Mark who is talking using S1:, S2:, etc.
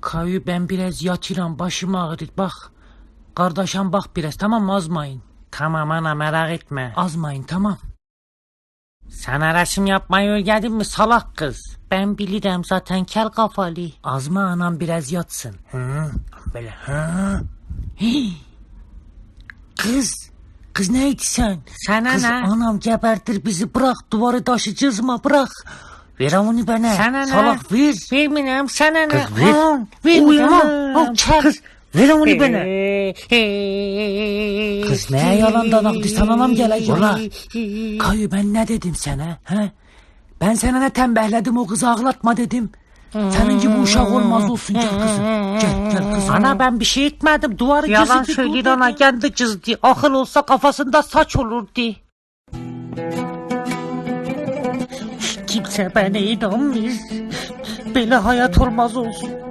S1: Kayu ben biraz yatıram, başım ağrır bak. Kardeşim bak biraz, tamam mı, azmayın. Tamam ana, merak etme. Azmayın, tamam. Sana resim yapmayı öğrendin mi salak kız? Ben bilirim zaten, kel kafalı. Azma anam, biraz yatsın. Hı, böyle hı. Hii. Kız neydi sen? Sana kız, ne? Anam gebertir bizi, bırak, duvarı taşıyacağız mı, bırak. Ver onu bana. Sana salak ne? Ver. Vermeyeyim sana ne?
S2: Kız ver.
S1: Vermeyeyim. Kız ver onu bana. Kız neye yalandan aktı, sana anam gelecek. Ola. Kayu ben ne dedim sana? He? Ben sana ne tembehledim, o kızı ağlatma dedim. Senin gibi uşak olmaz olsun, gel kızım. Gel kızım. Ana ben bir şey etmedim, duvarı çizdi. Yalan söyledi ana, kendi çizdi. Akıl olsa kafasında saç olurdu. Kimse bana inanmıyor. Böyle hayat olmaz olsun.